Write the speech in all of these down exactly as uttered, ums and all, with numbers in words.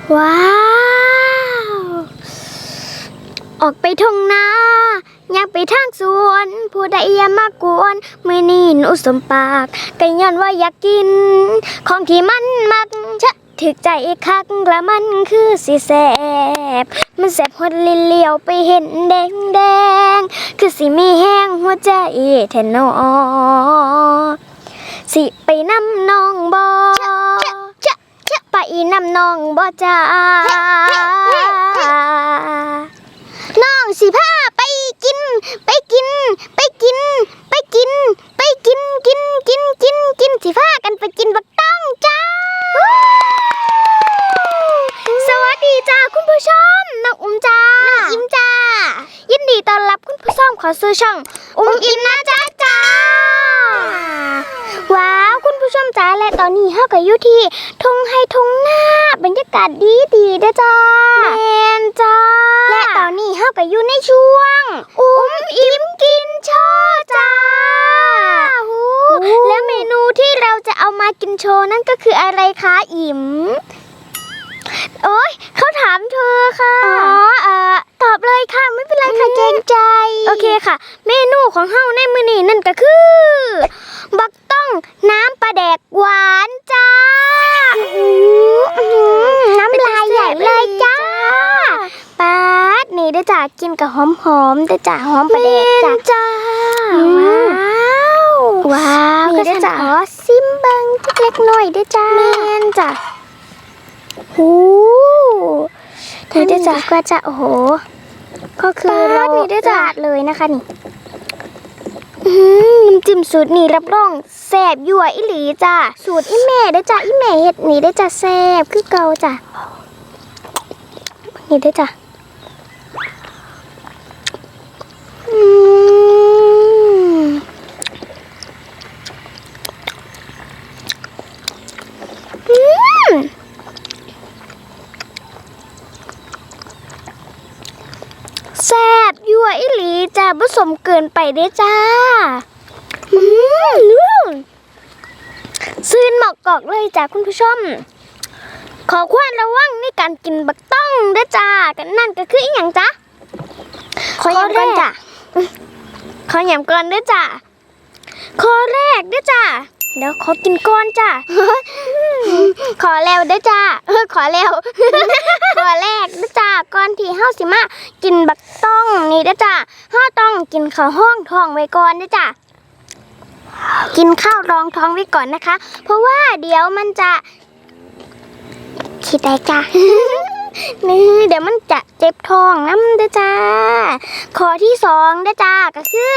ว้าวออกไปทุ่งนาอยากไปทางสวนผู้ใดอย่ามากวนมื้อนี้หนูสมปากก็ย้อนว่าอยากกินของที่มันมักชะถึกใจคักละมันคือสิแซ่บมันแซ่บฮอดลิ้นเลี้ยวไปเห็นแดงแดงคือสิมีแห้งหัวใจแท้น้อสิไปนำน้องบ่ไปนำน้องบ่จ้าน้องสิพาไปกินไปกินไปกินไปกินไปกินกินกินกินกินสิพากันไปกินบักต้องจ้าสวัสดีจ้าคุณผู้ชมน้องอุ้มจ้าน้องอิมจ้ายินดีต้อนรับคุณผู้ชมขอซื้อช่องอุ้มอิมนะจ้าจ้าว้าวคุณผู้ชมจ้าและตอนนี้เฮาก็อยู่ที่ทุ่งไร่ทุ่งนาบรรยากาศดีดีเด้อจ้าแม่นจ้าและตอนนี้เฮาก็อยู่ในช่วงอุ้มอิมกินโชว์จ้าและเมนูที่เราจะเอามากินโชว์นั่นก็คืออะไรคะอิมโอ๊ยเขาถามเธอค่ะอ๋อเอ่อตอบเลยค่ะไม่เป็นไรค่ะเกรงใจโอเคค่ะเมนูของเฮาในมื้อนี้นั่นก็คือบักต้องน้ำปลาแดกหวานจ้าน้ำลายใหญ่เลยจ้าป๊าดนี่ได้จ้ากินกับหอมๆได้จ้าหอมปลาแดกจ้าว้าวว้าวนี่ได้จ้าขอซิมเบิ่งเล็กๆน้อยได้จ้าแม่นจ้าหูเธอได้จ้าก็จะโอ้โหก็คือเราลาดเลยนะคะนี่น้ำจิ้มสูตรนี่รับรองแซ่บยั่วอิหลีจ้าสูตรอีแม่ได้จ้าอีแม่เฮ็ดนี่ได้จ้าแซ่บคือเก่าจ้านี่ได้จ้าอืมอืมแซ่บยั่วอิหลีจ้าผสมเกินไปเด้จ้าอืมซื่นหมอกกอกเลยจ้าคุณผู้ชมขอความระวังในการกินบักต้องเด้จ้ากันนั่นก็คืออีหยังจ้าขอย้ำก่อนจ้าขอย้ำก่อนเด้จ้าข้อแรกเด้จ้าเดี๋ยวขอกินก่อนจ้าขอแล้วเด้จ้าเออขอแล้วขอแรกเด้จ้าก่อนที่เฮาสิมากินบักต้องนี่เด้จ้าเฮาต้องกินข้าวห้องท้องไว้ก่อนเด้จ้ากินข้าวรองท้องไว้ก่อนนะคะเพราะว่าเดี๋ยวมันจะคิดได้จ้านี่เดี๋ยวมันจะเจ็บท้องน้ำเด้จ้าข้อที่สองเด้จ้าก็คือ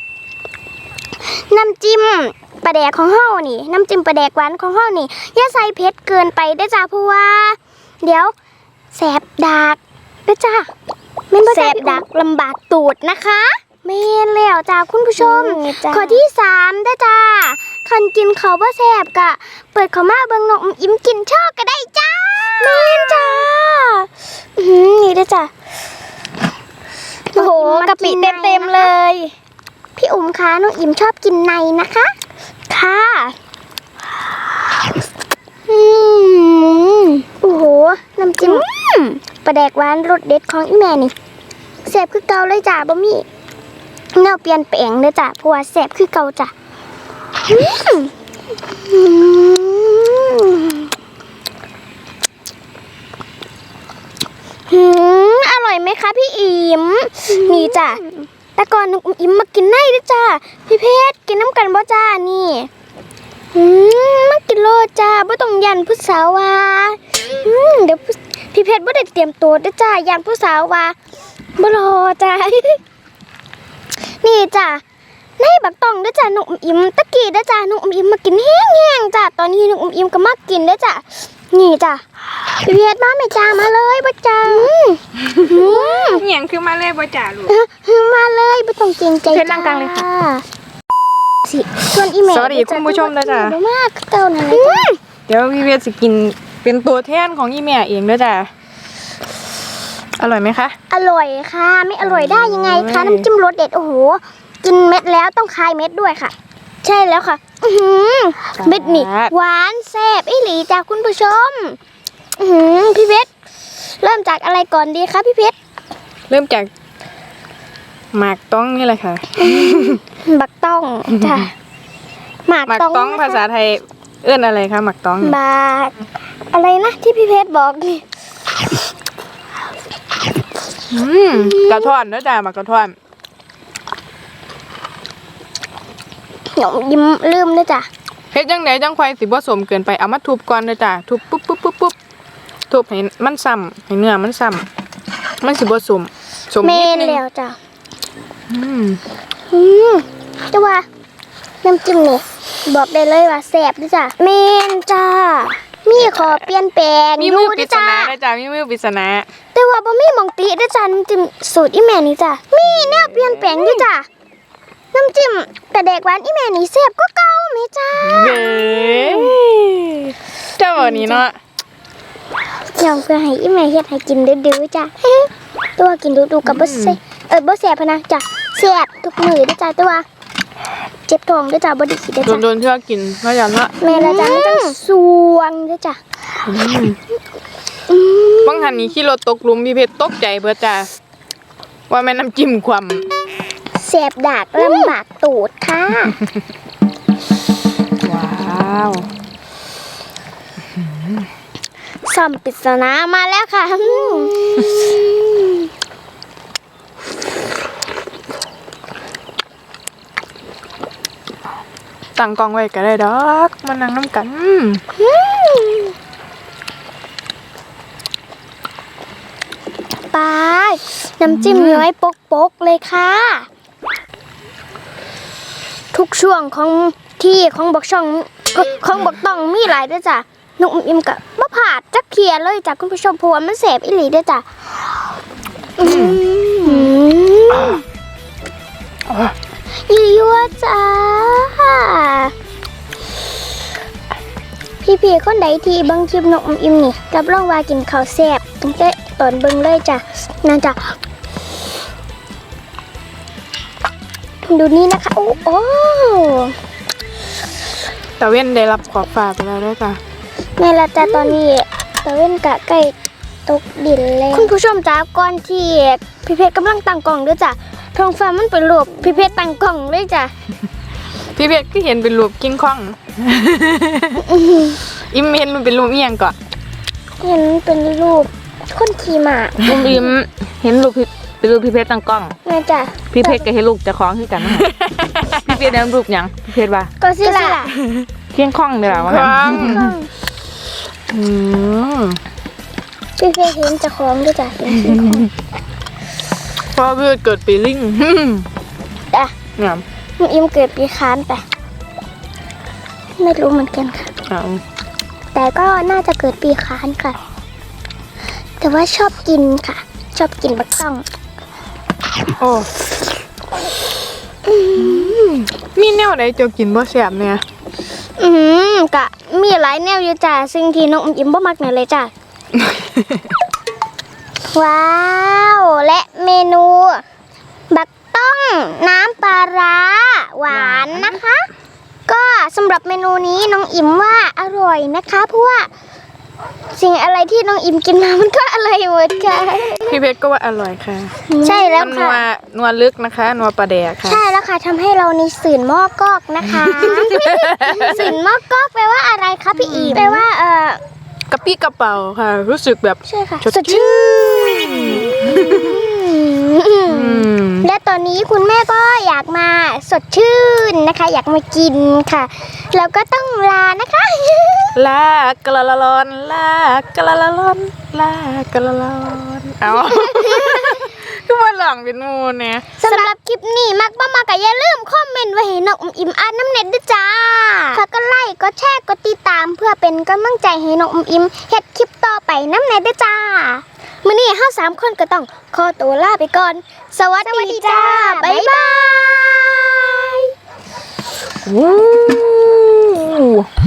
น้ำจิ้มปลาแดกของเฮานี่น้ำจิ้มปลาแดกหวานของเฮานี่อย่าใส่เผ็ดเกินไปเด้จ้าเพราะว่าเดี๋ยวแสบดากเด้จ้าแสบดากลำบากตูดนะคะเมนแล้วจ้าคุณผู้ชมข้อที่สามเด้จ้าคันกินเขาบ่แสบกะเปิดเขามาเบิ่งน้องอิมกินชอบก็ได้จ้าเมนจ้าอืมนี่เด้จ้าโอ้โหกะปิเต็มๆเลยพี่อุ๋มคะน้องอิมชอบกินในนะคะค่ะอืมโอ้โหน้ำจิ้มปลาแดกหวานรสเด็ดของอีแม่นี่แซ่บคือเก่าเลยจ้ะบ่มีแนวเปลี่ยนแปลงเลยจ้ะเพราะว่าแซ่บคือเก่าจ้ะหืมอร่อยไหมคะพี่อิมนี่จ้ะแต่ก่อนน้องอิมมากินในด้วยจ้าพี่เพชรกินน้ำกันบ่จ้านี่อืมมากินโลจ้าบ่ต้องยันผู้สาวว่าอืมเดี๋ยวพี่เพชรบ่ได้เตรียมตัวด้วยจ้ายันผู้สาวว่าบ่รอจ้านี่จ้าในบักตองด้วยจ้าน้องอิมตะกี้ด้วยจ้าน้องอิมมากินแห้งๆจ้าตอนนี้น้องอิมก็มากินด้วยจ้านี่จ้าพี่เพชรมาไม่จ้ามาเลยบ่จ้าเหนียงคือมาเลยบ่จ่าลูกมาเลยไม่ต้องเกรงใจเพชรล่างกลางเลยค่ะสิส่วนอีเมลสวัสดีคุณผู้ชมนะจ๊ะมากเก่านั่นเลยจ้ะเดี๋ยวพี่เวทจะกินเป็นตัวแทนของอีแม่เองด้วยจ้ะอร่อยไหมคะอร่อยค่ะไม่อร่อยได้ยังไงคะน้ำจิ้มรสเด็ดโอ้โหกินเม็ดแล้วต้องคายเม็ดด้วยค่ะใช่แล้วค่ะเม็ดนี่หวานแซ่บอีหลีจ้ะคุณผู้ชมพี่เพชรเริ่มจากอะไรก่อนดีคะพี่เพชรเริ่มจากหมากต้องนี่แหละค่ะบักต้องจ้ะหมากหมากต้องต้องนะคะภาษาไทยเอื้อนอะไรคะหมากต้องบากอะไรนะที่พี่เพชรบอกนี่อืมกระท่อนเด้อจ้าหมากกระท่อนหนูยิ้มลืมด้วยจ้ะเฮ็ดจังไดจังควายสิบ่สมเกินไปเอามาทุบก่อนเด้อจ้าทุบปุ๊บปุ๊บปุ๊บปุ๊บทุบให้มันซ้ำให้เนื้อมันซ้ำมันสิบ่สมสมเมนิดนนึงแล้วจ้ะอืมอืมแต่ว่าน้ำจิ้มนี่บอกได้เลยว่าแซ่บด้วยจ้ะเมนจ้ามีขอเปลี่ยนแปลงมีมือดูปริด้วยศจ้านาเด้อจ้ามีมือปริศนาแต่ว่าบ่มีหมองติด้วยจ้ะน้ำจิ้มสูตรอีแม่นี่จ้ะมีแนวเปลี่ยนแปลงด้วยจ้ะน้ำจิ้มกระเดกหวานอีแม่นี่แซ่บก็เก่าไหมจ้าเย้เจ้าบ่นี้เนาะยอมเพื่อให้อีแม่เฮ็ดให้กินดื้อๆจ้ะ ตัวกินดูๆกับบ่แซ่บเออบ่แซ่บพะนะจ้ะแซ่บทุกมื้อด้วยจ้ะแต่ว่าเจ็บท้องด้วยจ้ะบ่ได้กินด้วยจ้ะโดนๆเทื่อกินเนาะจ้ะเนาะแม่ละจ้ะมันต้องสวงด้วยจ้ะอืมอืมบางหันนี้ขี่รถตกหลุมพี่เพชรตกใจเบิดจ้าว่าแม่น้ำจิ้มความแซ่บดากลำบากตูดค่ะว้าวซ่อมปริศนามาแล้วค่ะอืมตั้งกล้องไว้ก็ได้ดอก มานั่งน้ำกันไปน้ำจิ้มย้อยปกๆเลยค่ะ ทุกช่วงของที่ของบักช่องของบักต้องมีหลายด้วยจ้ะนุกอิ่มกับมะผาดจักเขียเลยจ้ะคุณผู้ชมเพราะว่ามันแสบอีหลีด้วยจ้ะอืมยั่วๆจ้าพี่ๆคนใดที่เบิ่งคลิปนกอิ่มนี่รับรองว่ากินข้าวแซ่บตั้งแต่ตอนเบิ่งเลยจ้ะนั่นจ้ะดูนี่นะคะโอ้โอ้ตะเว้นได้รับขอบฟ้าไปแล้วด้วยจ้ะแม่ละจ้ะตอนนี้ตะเว้นกะใกล้ตกดินแล้วคุณผู้ชมจ้าก่อนที่พี่เพชรกำลังตั้งกล่องด้วยจ้ะท้องฟ้ามันเป็นรูปพี่เพชรตั้งกล่องเลยจ้ะพี่เพชรก็เห็นเป็นรูปกิ้งคอง อิมเห็นมันเป็นรูปเอียงก่อนเห็นเป็นรูปคนขี่ม้าอุ้มอิมเห็นลูกพี่เป็นลูกพี่เพชรตั้งกล้องแม่จ้ะพี่เพชรก็เห็นลูกเจะคล้าของขึ้นกันนะพี่เพชรนั้นลูกหยังพี่เพชรว่าก็สิล่ะเคียงข้องเดี๋ยวว่าคงั้นรั้งอืมพี่เพชรเห็นเจ้าของด้วยจ้ะเห็นขี่ของเพราะเพื่อเกิดปีลิงจ้ะงามมันอิมเกิดปีค้านไปไม่รู้เหมือนกันค่ะเอาแต่ก็น่าจะเกิดปีค้านค่ะ แต่ว่าชอบกินค่ะ ชอบกินบักต้องโอ้มีแนวไหนจะกินบ่แซ่บเนี่ยอืมกะมีหลายแนวอยู่จ้ะซึ่งที่น้องอมยิ้มบ่มักเนี่ยเลยจ้ะ ว้าวและเมนู บักต้องน้ำปลาร้าหวานนะคะ ก็สำหรับเมนูนี้น้องอิมว่าอร่อยนะคะเพราะว่าสิ่งอะไรที่น้องอิมกินมามันก็อร่อยหมดค่ะพี่เพชรก็ว่าอร่อยค่ะใช่แล้วมันนัค่ะวนัวลึกนะคะนัวปลาแดกค่ะใช่แล้วค่ะทำให้เราในสื่นหม้อกอกนะคะ สื่นหม้อกอกแปลว่าอะไรคะพี่อีแปลว่าเออกระปี้กระเป๋าค่ะ รู้สึกแบบใช่ค่ะสดชื่น อืมและตอนนี้คุณแม่ก็อยากมาสดชื่นนะคะ อยากมากินค่ะแล้วก็ต้องลานะคะลากะละละลอนลากะละละลอนลากะละละลอนเอา ก็มาหลังเป็นหมูเนี่ยสำหรับคลิปนี้มักบ้ามากะอย่าลืมคอมเมนต์ไว้ให้น้องอมอิ่มอ่านน้ำเน็ตด้วยจ้าฝากก็ไลค์ก็แชร์ก็ติดตามเพื่อเป็นกำลังใจให้น้องอมอิ่มเฮ็ดคลิปต่อไปน้ำเน็ตด้วยจ้ามื้อนี้เฮาสามคนก็ต้องขอตัวลาไปก่อน สวัสดีจ้าบ๊ายบายอู้